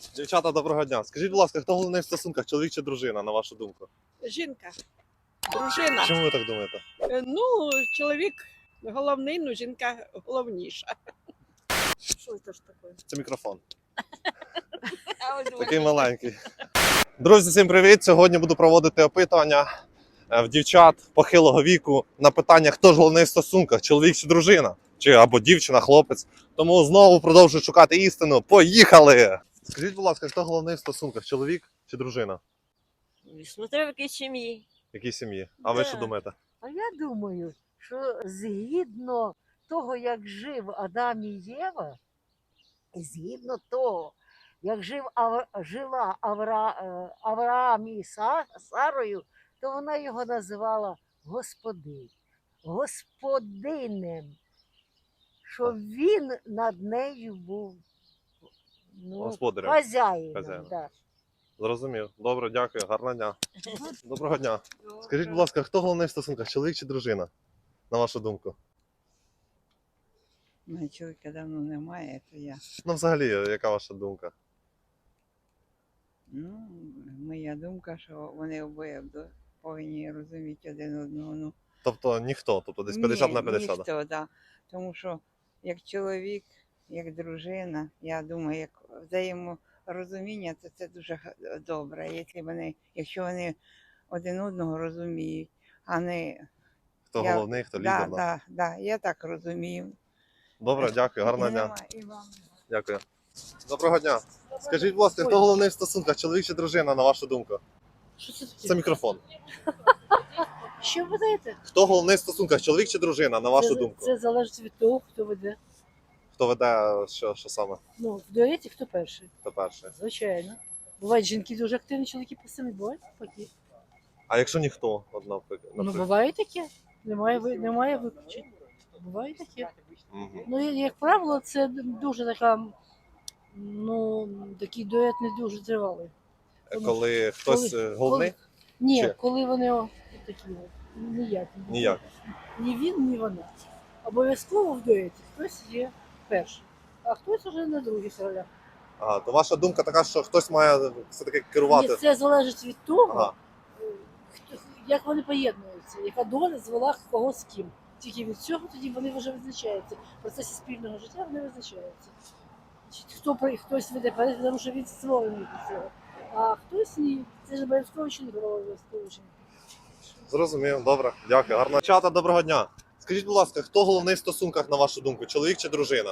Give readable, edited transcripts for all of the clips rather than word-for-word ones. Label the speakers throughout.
Speaker 1: Дівчата, доброго дня. Скажіть, будь ласка, хто головний в стосунках, чоловік чи дружина, на вашу думку?
Speaker 2: Жінка, дружина.
Speaker 1: Чому ви так думаєте?
Speaker 2: Ну, чоловік головний, ну жінка головніша. Що це ж таке?
Speaker 1: Це мікрофон. Такий маленький. Друзі, всім привіт! Сьогодні буду проводити опитування в дівчат похилого віку на питання, хто ж головний в стосунках, чоловік чи дружина, чи або дівчина, хлопець. Тому знову продовжую шукати істину. Поїхали! Скажіть, будь ласка, хто головний в стосунках, чоловік чи дружина?
Speaker 3: Смотря в якій сім'ї.
Speaker 1: В якій сім'ї? А ви
Speaker 3: Да.
Speaker 1: що думаєте?
Speaker 4: А я думаю, що згідно того, як жив Адам і Єва, і згідно того, як жила Авраам і Сарою, то вона його називала господинем, що він над нею був
Speaker 1: Господарем.
Speaker 4: хазяїном. Да.
Speaker 1: Зрозумів. Добре, дякую. Гарного дня. Доброго дня. Скажіть, будь ласка, хто головний в стосунках, чоловік чи дружина? На вашу думку?
Speaker 5: Ну, чоловіка давно немає, то я.
Speaker 1: Ну, взагалі, яка ваша думка?
Speaker 5: Ну, моя думка, що вони обоє повинні розуміти один одного. Ну,
Speaker 1: Тобто ніхто, тобто десь 50 на 50.
Speaker 5: Ніхто, да. Тому що як чоловік, як дружина, я думаю, як взаєморозуміння, то це дуже добре. Якщо вони один одного розуміють, а не
Speaker 1: Хто головний, хто лідер.
Speaker 5: Да, я так розумію.
Speaker 1: Добре, дякую, гарного дня.
Speaker 5: І вам.
Speaker 1: Дякую. Доброго дня. Скажіть, будь ласка, хто головний в стосунках, чоловік чи дружина, на вашу думку?
Speaker 4: Що це таке?
Speaker 1: Це мікрофон.
Speaker 4: Що ви даєте?
Speaker 1: Хто головний в стосунках, чоловік чи дружина, на вашу думку?
Speaker 4: Це залежить від того, хто веде.
Speaker 1: Хто веде, що саме?
Speaker 4: Ну, в дуеті хто перший?
Speaker 1: Хто перший?
Speaker 4: Звичайно. Бувають жінки дуже активні, чоловіки пасивні, бувають такі.
Speaker 1: А якщо ніхто, наприклад?
Speaker 4: Ну, буває таке. Немає виключень. Буває таке.
Speaker 1: Мгм.
Speaker 4: Ну, як правило, це дуже така, такий дует не дуже тривалий.
Speaker 1: Коли хтось головний?
Speaker 4: Ні,
Speaker 1: Чи?
Speaker 4: коли вони такі ніякі.
Speaker 1: Ніяк.
Speaker 4: Ні він, ні вона. Обов'язково в дуеті хтось є перший, а хтось вже на других ролях.
Speaker 1: Ага, то ваша думка така, що хтось має все-таки керувати?
Speaker 4: Ні, це залежить від того,
Speaker 1: Ага.
Speaker 4: як вони поєднуються, яка доля звела кого з ким. Тільки від цього тоді вони вже визначаються. В процесі спільного життя вони визначаються. Хтось веде перед, тому що він створений до цього. А хтось ні. Це ж обов'язково чи не обов'язково.
Speaker 1: Зрозумів, добре, дякую. Гарного чата, доброго дня. Скажіть, будь ласка, хто головний в стосунках, на вашу думку, чоловік чи дружина?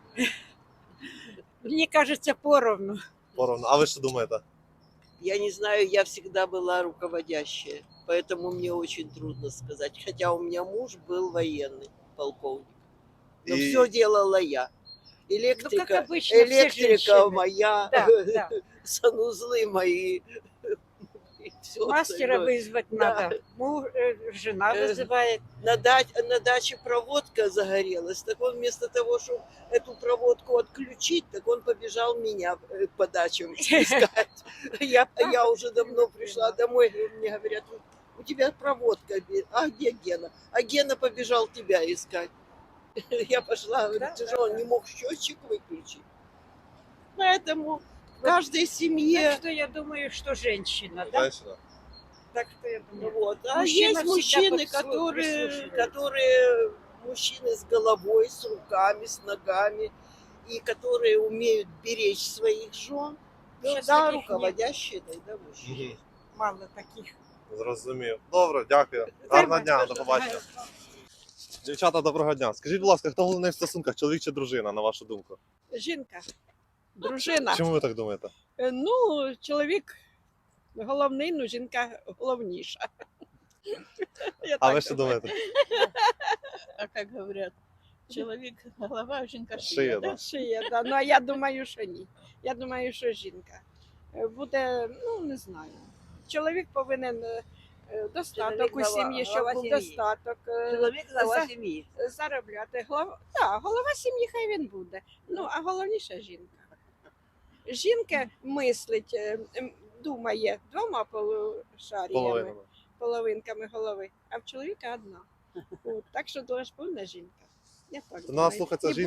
Speaker 2: Мені кажеться, поровну.
Speaker 1: Поровну. А ви що думаєте?
Speaker 6: Я не знаю, я всегда была руководящая, поэтому мне очень трудно сказать. Хотя у меня муж был военный, полковник. Но
Speaker 1: И-
Speaker 6: все делала я. Электрика,
Speaker 2: Ну, как обычно, все
Speaker 6: электрика
Speaker 2: женщины.
Speaker 6: моя,
Speaker 2: Да, да.
Speaker 6: санузлы мои. и всё
Speaker 2: Мастера
Speaker 6: остальное.
Speaker 2: вызвать
Speaker 6: Да.
Speaker 2: надо. Жена
Speaker 6: Э,
Speaker 2: вызывает.
Speaker 6: На даче проводка загорелась. Так он вместо того, чтобы эту проводку отключить, так он побежал меня по дачам искать. Я уже давно пришла домой, мне говорят, у тебя проводка, а где Гена? А Гена побежал тебя искать. Я пошла, говорю,
Speaker 2: Да,
Speaker 6: ты
Speaker 2: да,
Speaker 6: же он
Speaker 2: да.
Speaker 6: не мог счетчик выключить. Поэтому в каждой семье...
Speaker 2: Так что я думаю, что женщина, да?
Speaker 1: Женщина.
Speaker 2: Так что я думаю.
Speaker 6: Вот. А
Speaker 2: Мужчина
Speaker 6: есть мужчины,
Speaker 2: всегда
Speaker 6: которые,
Speaker 2: прислушивается.
Speaker 6: мужчины с головой, с руками, с ногами, и которые умеют беречь своих жен.
Speaker 2: Сейчас
Speaker 6: Да,
Speaker 2: таких
Speaker 6: руководящие, да, мужчины.
Speaker 1: Мгм.
Speaker 2: Мало таких.
Speaker 1: Зрозумів. Добре, дякую. Гарного дня, до побачення. Дівчата, доброго дня. Скажіть, будь ласка, хто головний в стосунках, чоловік чи дружина, на вашу думку?
Speaker 2: Жінка, дружина.
Speaker 1: Чому ви так думаєте?
Speaker 2: Ну, чоловік головний, ну жінка головніша. Я
Speaker 1: А
Speaker 2: так
Speaker 1: ви що
Speaker 2: думаю.
Speaker 1: думаєте?
Speaker 7: А как говорят, человек голова, а жінка
Speaker 1: Шия,
Speaker 7: шия.
Speaker 1: да.
Speaker 2: Шия, да. Ну, а я думаю, що ні. Я думаю, що жінка. Буде, ну, не знаю. Чоловік повинен достаток
Speaker 6: Чоловік
Speaker 2: у сім'ї, щоб
Speaker 6: глава
Speaker 2: був
Speaker 6: сім'ї.
Speaker 2: достаток.
Speaker 6: Чоловік
Speaker 2: глава
Speaker 6: сім'ї.
Speaker 2: Заробляти. Голова сім'ї хай він буде. Ну, а головніше жінка. Жінка мислить, думає двома полушаріями, половинками голови, а в чоловіка одна. От, так що повинна жінка. Я так
Speaker 1: То
Speaker 2: думаю.
Speaker 1: треба слухатися
Speaker 2: І
Speaker 1: жінку.
Speaker 2: буде-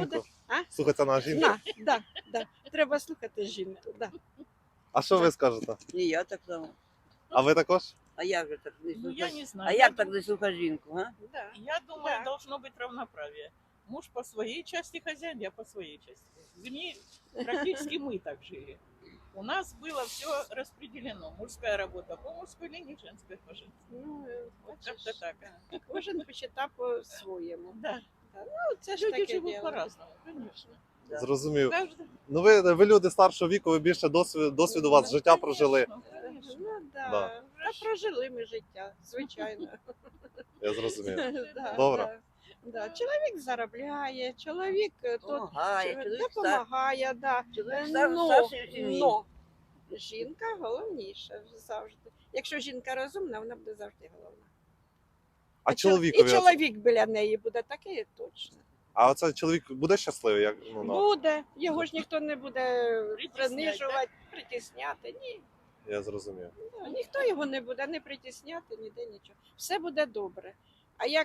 Speaker 2: А?
Speaker 1: Слухатися на жінку?
Speaker 2: Да. Треба слухати жінку. Да.
Speaker 1: А що ви скажете?
Speaker 6: І я так само.
Speaker 1: А ви також?
Speaker 6: А як же так не
Speaker 7: Ну, я
Speaker 6: слухати?
Speaker 7: не знаю.
Speaker 6: А як так не слухати жінку, а?
Speaker 2: Да.
Speaker 7: Я думаю,
Speaker 2: Да.
Speaker 7: должно быть равноправие. Муж по своей части хозяин, я по своей части. В семье практически мы так жили. У нас было все распределено. Мужская работа по мужской линии, женская по женской.
Speaker 2: Ну,
Speaker 7: Вот
Speaker 2: бачиш,
Speaker 7: как-то так.
Speaker 2: кожен почитав по-своєму.
Speaker 7: Да.
Speaker 2: Ну, це ж
Speaker 7: Люди
Speaker 2: таке
Speaker 7: живут
Speaker 2: діло.
Speaker 7: по-разному, конечно.
Speaker 6: Да.
Speaker 1: Зрозумів.
Speaker 7: Каждый...
Speaker 1: Ну ви люди старшого віку, ви більше досвіду у вас життя прожили.
Speaker 7: Конечно.
Speaker 2: Ну, да.
Speaker 1: Да.
Speaker 2: Та прожили ми життя, звичайно.
Speaker 1: Я зрозумів.
Speaker 2: Да,
Speaker 1: Добре.
Speaker 2: Да. Чоловік заробляє, чоловік тут
Speaker 6: Помагає, чоловік
Speaker 2: допомагає, да.
Speaker 6: Чоловік
Speaker 2: Но,
Speaker 6: старший в сім'ї.
Speaker 2: но жінка головніша завжди. Якщо жінка розумна, вона буде завжди головна.
Speaker 1: А
Speaker 2: І
Speaker 1: чоловікові?
Speaker 2: чоловік біля неї буде такий точно.
Speaker 1: А оце чоловік буде щасливий? Як,
Speaker 2: Буде, його ж ніхто не буде
Speaker 7: Притісняти,
Speaker 2: принижувати, притісняти. Ні.
Speaker 1: Я зрозумів.
Speaker 2: Ну, ніхто його не буде не притісняти, ніде нічого. Все буде добре. А як,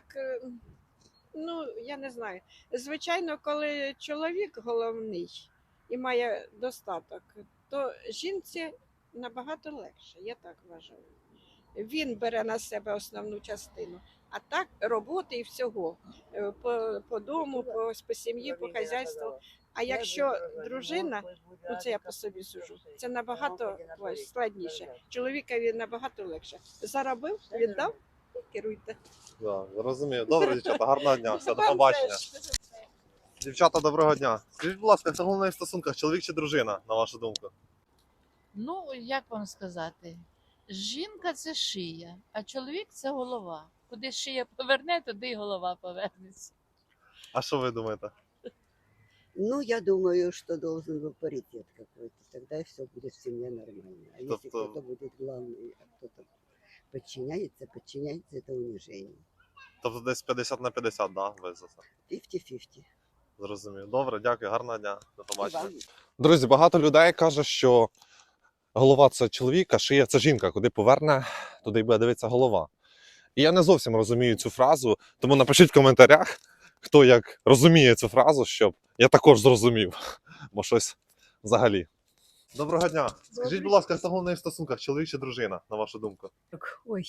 Speaker 2: ну, я не знаю. Звичайно, коли чоловік головний і має достаток, то жінці набагато легше, я так вважаю. Він бере на себе основну частину. А так роботи і всього по дому, по сім'ї, по хазяйству. А якщо дружина, ну це я по собі сужу, це набагато складніше. Чоловікові набагато легше. Заробив, віддав і керуйте.
Speaker 1: Да, зрозумів. Добре, дівчата, гарного дня. Все, до
Speaker 2: Вам
Speaker 1: побачення.
Speaker 2: теж.
Speaker 1: Дівчата, доброго дня. Скажіть, будь ласка, хто головний в стосунках, чоловік чи дружина, на вашу думку?
Speaker 8: Ну, як вам сказати, жінка це шия, а чоловік це голова. Куди шия поверне, туди й голова повернеться.
Speaker 1: А що ви думаєте?
Speaker 9: Ну, я думаю, что должен был паритет какой-то. Тогда все будет в семье нормально. А если
Speaker 1: Тобто-
Speaker 9: кто-то будет главный, а кто-то подчиняется, это унижение.
Speaker 1: Тобто десь 50 на 50, да? Ви за це?
Speaker 9: 50-50.
Speaker 1: Зрозумів. Добре, дякую, гарного дня. До побачення.
Speaker 9: Вам.
Speaker 1: Друзі, багато людей каже, що голова це чоловік, а шия це жінка. Куди поверне, туди й буде дивитися голова. І я не зовсім розумію цю фразу, тому напишіть в коментарях, хто як розуміє цю фразу, щоб я також зрозумів, бо щось взагалі. Доброго дня. Скажіть, будь ласка, хто головний в стосунках, чоловік чи дружина, на вашу думку?
Speaker 10: Ой.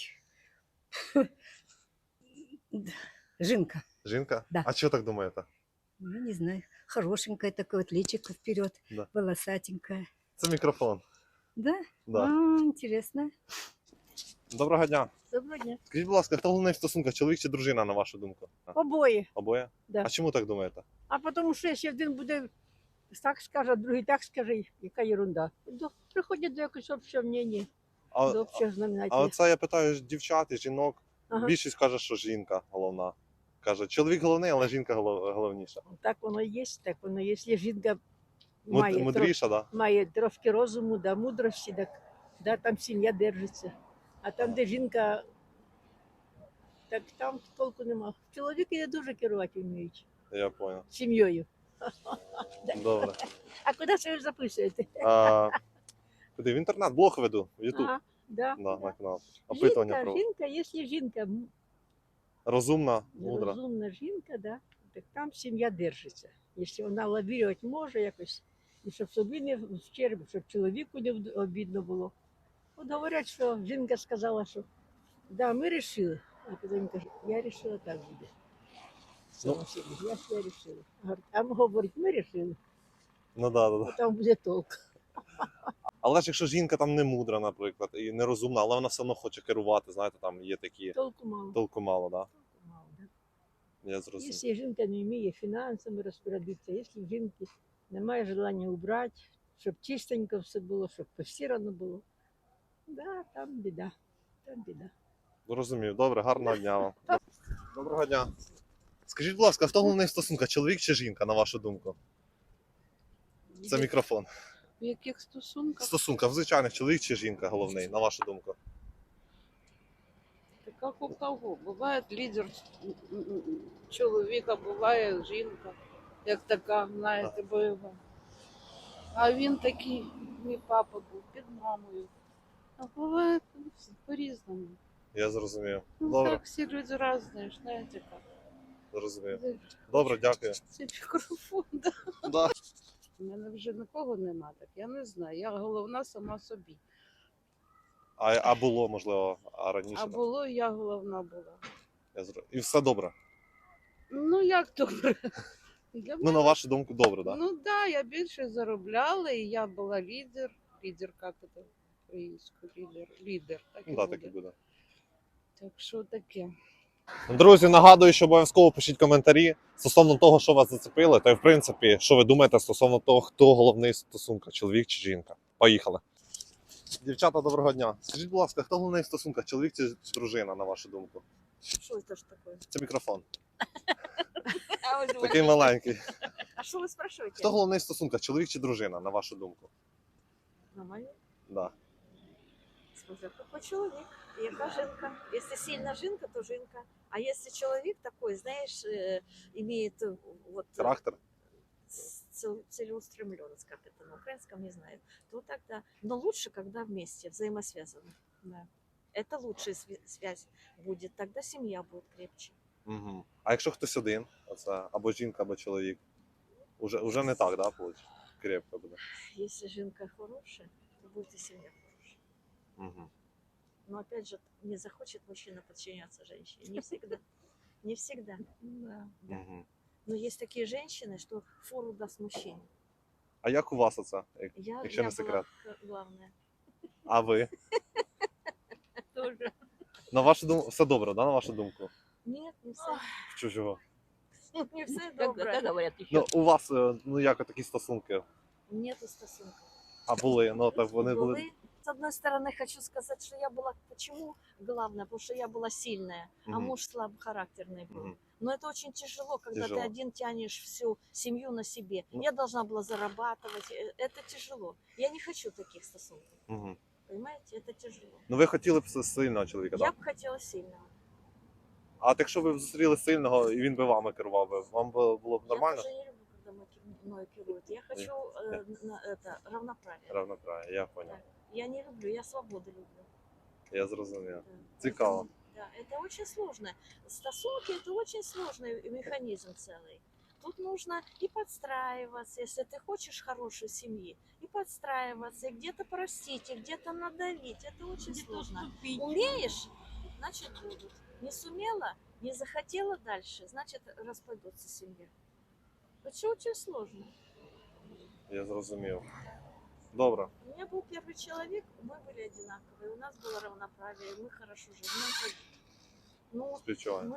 Speaker 10: Жинка.
Speaker 1: Жінка?
Speaker 10: Да.
Speaker 1: А чого так думаєте?
Speaker 10: Ну, не знаю. Хорошенькая такое, вот личико вперед,
Speaker 1: Да.
Speaker 10: волосатенькая.
Speaker 1: Це мікрофон.
Speaker 10: Да?
Speaker 1: Да.
Speaker 10: Интересно.
Speaker 1: Доброго дня.
Speaker 4: Доброго дня.
Speaker 1: Скажіть, будь ласка, хто головний в стосунках, чоловік чи дружина, на вашу думку?
Speaker 4: Обоє.
Speaker 1: Обоє?
Speaker 4: Да.
Speaker 1: А чому так думаєте?
Speaker 4: А тому що якщо один буде так скаже, а другий так скаже, яка ерунда. Приходять до якогось общого мнення,
Speaker 1: А,
Speaker 4: до общого
Speaker 1: а
Speaker 4: знаменателя.
Speaker 1: оце я питаю дівчат і жінок.
Speaker 4: Ага.
Speaker 1: Більшість каже, що жінка головна. Каже, чоловік головний, але жінка головніша.
Speaker 4: Так воно і є, так воно є. Якщо жінка має,
Speaker 1: Мудріша, так? Да?
Speaker 4: має трошки розуму, да, мудрості, так, да, там сім'я держиться. А там, де жінка, так там толку нема. Чоловіки не дуже керувати вміють
Speaker 1: Я зрозумів.
Speaker 4: сім'єю.
Speaker 1: Добре.
Speaker 4: А куди це ви записуєте?
Speaker 1: А, куди? В інтернет, блог веду, в Ютуб.
Speaker 4: Ага, да,
Speaker 1: Да,
Speaker 4: да.
Speaker 1: на канал. Опитування
Speaker 4: Жінка,
Speaker 1: про
Speaker 4: жінка, якщо жінка
Speaker 1: розумна, мудра.
Speaker 4: розумна жінка, да, так там сім'я держиться. Якщо вона лавірувати може якось, і щоб собі не вчерб, щоб чоловіку не обідно було. От говорять, що жінка сказала, що да, ми вирішили. А потім каже, я вирішила так буде.
Speaker 1: Ну.
Speaker 4: Я все вирішила. А говорить, ми вирішили,
Speaker 1: Ну да, да,
Speaker 4: а
Speaker 1: да.
Speaker 4: там буде толк.
Speaker 1: Але ж якщо жінка там не мудра, наприклад, і не розумна, але вона все одно хоче керувати, знаєте, там є такі
Speaker 4: Толку мало.
Speaker 1: толку мало, да?
Speaker 4: Толку мало, да.
Speaker 1: Я зрозумів.
Speaker 4: Якщо жінка не вміє фінансами розпорядитися, якщо в жінки немає бажання убрати, щоб чистенько все було, щоб постирано було, да, там біда. Там біда.
Speaker 1: Зрозумів. Добре, гарного дня вам. Доброго дня. Скажіть, будь ласка, хто головний в стосунках, чоловік чи жінка, на вашу думку? Це мікрофон.
Speaker 7: В яких
Speaker 1: В
Speaker 7: стосунках?
Speaker 1: стосунках, в звичайних, чоловік чи жінка головний, на вашу думку?
Speaker 7: Так як у кого? Буває лідер чоловіка, буває жінка, як така, знаєте, бойова. А він такий, мій папа був під мамою. А буває по-різному.
Speaker 1: Я зрозумів.
Speaker 7: Ну
Speaker 1: Добре,
Speaker 7: так, всі люди різні, знаєте як.
Speaker 1: Зрозумів. Добре, дякую.
Speaker 2: Це мікрофон. Да.
Speaker 1: Да.
Speaker 11: У мене вже нікого нема, так я не знаю. Я головна сама собі.
Speaker 1: А було, можливо, раніше?
Speaker 11: А
Speaker 1: так?
Speaker 11: було, я головна була.
Speaker 1: І все добре?
Speaker 11: Ну як добре? Для
Speaker 1: Ну, на вашу думку, добре, так? Да?
Speaker 11: Ну да, я більше заробляла, і я була лідер. Лідер, як це українською? Лідер, так і
Speaker 1: Ну, так,
Speaker 11: буде.
Speaker 1: так і буде.
Speaker 11: Так що таке.
Speaker 1: Друзі, нагадую, що обов'язково пишіть коментарі стосовно того, що вас зацепило, та й в принципі, що ви думаєте стосовно того, хто головний в стосунках, чоловік чи жінка. Поїхали. Дівчата, доброго дня. Скажіть, будь ласка, хто головний в стосунках, чоловік чи дружина, на вашу думку?
Speaker 3: Что это ж такое?
Speaker 1: Це мікрофон.
Speaker 3: А вы
Speaker 1: Такий
Speaker 3: думаете?
Speaker 1: маленький.
Speaker 3: А что вы спрашиваете?
Speaker 1: Хто головний в стосунках, чоловік чи дружина, на вашу думку?
Speaker 3: На мою?
Speaker 1: Да.
Speaker 3: Смотря какой человек, яка жінка. Если сильно жінка, то жінка. А если человек такой, знаешь, имеет вот
Speaker 1: Характер?
Speaker 3: целеустремленность, как это на украинском, не знаю, то тогда. Но лучше, когда вместе, взаимосвязаны. Да. Это лучшая связь будет. Тогда семья будет крепче.
Speaker 1: Угу. А якщо хтось один, оце або жінка, або чоловік, уже не так, да, виходить? Крепко буде.
Speaker 3: Если жінка хорошая, то будет и семья хорошая.
Speaker 1: Угу.
Speaker 3: Но опять же, не захочет мужчина подчиняться женщине. Не всегда. Не всегда. Да.
Speaker 1: Угу.
Speaker 3: Но есть такие женщины, что фору даст мужчине.
Speaker 1: А як у вас оце,
Speaker 3: Я
Speaker 1: якщо не
Speaker 3: была
Speaker 1: секрет?
Speaker 3: главная.
Speaker 1: А ви?
Speaker 3: Тоже.
Speaker 1: На вашу думку, все добре, да, на вашу думку?
Speaker 3: Нет, не все.
Speaker 1: В чужого?
Speaker 3: Не все добре.
Speaker 2: говорять
Speaker 1: Ну, у вас, ну як такі стосунки?
Speaker 3: Нету стосунков.
Speaker 1: А були, ну так вони були.
Speaker 3: Были. С одной стороны, хочу сказать, что я была, почему главное, потому что я была сильная, а
Speaker 1: Мгм.
Speaker 3: муж слабохарактерный был.
Speaker 1: Мгм.
Speaker 3: Но это очень тяжело, когда
Speaker 1: Тяжело.
Speaker 3: ты один тянешь всю семью на себе.
Speaker 1: Ну.
Speaker 3: Я должна была зарабатывать. Это тяжело. Я не хочу таких стосунков.
Speaker 1: Угу.
Speaker 3: Понимаете, это тяжело.
Speaker 1: Ну ви хотіли б сильного чоловіка,
Speaker 3: Я
Speaker 1: так?
Speaker 3: бы хотела сильного.
Speaker 1: А от якщо ви б зустріли сильного і він би вами керував, вам би було б нормально?
Speaker 3: Я тоже не люблю, когда мной керуют. Я хочу равноправие.
Speaker 1: Равноправие, я понял.
Speaker 3: Я не люблю, я свободу люблю.
Speaker 1: Я зрозумів.
Speaker 3: Да.
Speaker 1: Цікаво.
Speaker 3: Да, это очень сложно. Стосунки – это очень сложный механизм целый. Тут нужно и подстраиваться, если ты хочешь хорошей семьи, и подстраиваться, и где-то простить, и где-то надавить. Это очень сложно. Умеешь, значит будут. Не сумела, не захотела дальше, значит распадется семья. Это очень сложно.
Speaker 1: Я зрозумів. Добре.
Speaker 3: У меня был первый человек, мы были одинаковые, у нас было равноправие, мы хорошо жили. Ну,
Speaker 1: Співчуваю.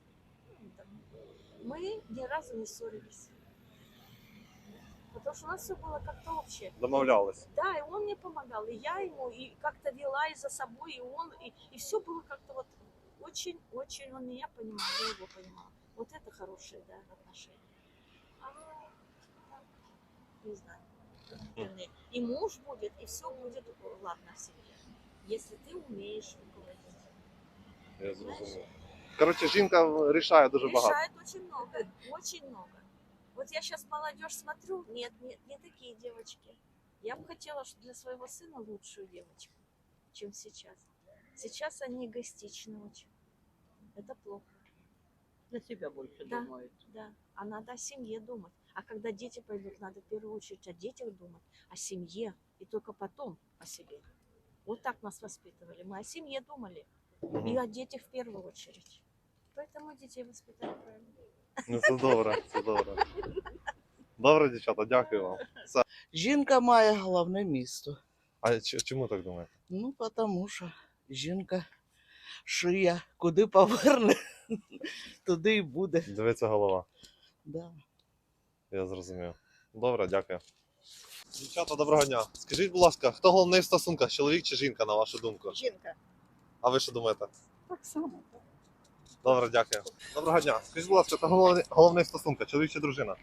Speaker 3: мы ни разу не ссорились. Потому что у нас все было как-то общее.
Speaker 1: Домовлялись.
Speaker 3: Да, и он мне помогал, и я ему, и как-то вела и за собой, и он, и все было как-то вот очень-очень, он меня понимал, я его понимала. Вот это хорошие, да, отношения. А так, не знаю. И муж будет, и все будет ладно в семье. Если ты умеешь руководить.
Speaker 1: Я зрозумів. Коротше, жінка рішає дуже багато.
Speaker 3: Решает очень много, очень много. Вот я сейчас молодежь смотрю, нет, не такие девочки. Я бы хотела для своего сына лучшую девочку, чем сейчас. Сейчас они эгоистичны очень. Это плохо.
Speaker 2: На себя больше
Speaker 3: Да.
Speaker 2: думають.
Speaker 3: Да, а надо о семье думать. А когда дети пойдут, надо в первую очередь о детях думать, о семье, и только потом о себе. Вот так нас воспитывали. Мы о семье думали, и о детях в первую очередь. Поэтому детей воспитали правильно.
Speaker 1: Ну це добре, це добре. Добре, дівчата, дякую вам.
Speaker 11: Жінка має головне місто.
Speaker 1: А чому так думаєте?
Speaker 11: Ну, тому що жінка шия, куди поверне, туди і буде.
Speaker 1: Дивиться голова.
Speaker 11: Да.
Speaker 1: Я зрозумів. Добре, дякую. Дівчата, доброго дня. Скажіть, будь ласка, хто головний в стосунках, чоловік чи жінка, на вашу думку?
Speaker 2: Жінка.
Speaker 1: А ви що думаєте?
Speaker 2: Так само.
Speaker 1: Добре, дякую. Доброго дня. Скажіть, будь ласка, хто головний в стосунках, чоловік чи дружина?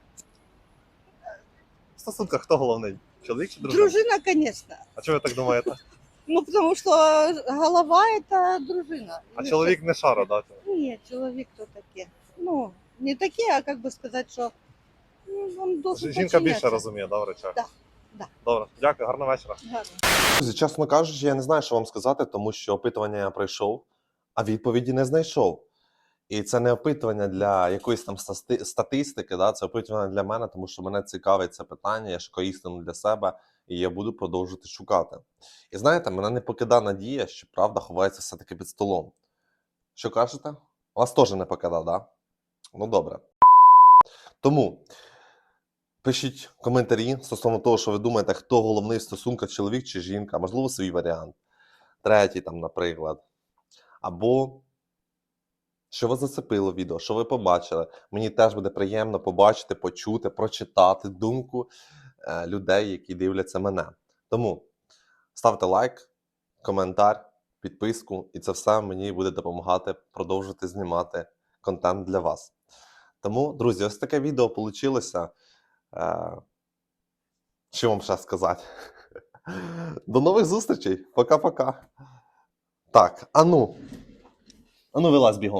Speaker 1: В стосунках хто головний? Чоловік чи дружина?
Speaker 12: Дружина, конечно.
Speaker 1: А чого ви так думаєте?
Speaker 12: Ну, потому что голова – это дружина.
Speaker 1: А чоловік не шара, да?
Speaker 12: Нет, человек то таке. Ну, не таке, а как бы сказать, что он должен
Speaker 1: Жінка більше
Speaker 12: подчиняться.
Speaker 1: розуміє, да, в речах?
Speaker 12: Да, да.
Speaker 1: Добре, дякую, гарного вечора.
Speaker 12: Гарно.
Speaker 1: Друзі, чесно кажучи, я не знаю, що вам сказати, тому що опитування я пройшов, а відповіді не знайшов. І це не опитування для якоїсь там статистики, да? Це опитування для мене, тому що мене цікавить це питання, я шукаю істину для себе, і я буду продовжувати шукати. І знаєте, мене не покидає надія, що правда ховається все-таки під столом. Що кажете? Вас теж не покидав, да? Ну добре. Тому пишіть коментарі стосовно того, що ви думаєте, хто головний в стосунках, чоловік чи жінка, можливо, свій варіант. Третій там, наприклад. Або що вас зацепило відео, що ви побачили. Мені теж буде приємно побачити, почути, прочитати думку людей, які дивляться мене. Тому ставте лайк, коментар, підписку, і це все мені буде допомагати продовжувати знімати контент для вас. Тому, друзі, ось таке відео вийшло. Що вам ще сказати? До нових зустрічей. Пока-пока. Так, ану вилазь бігом.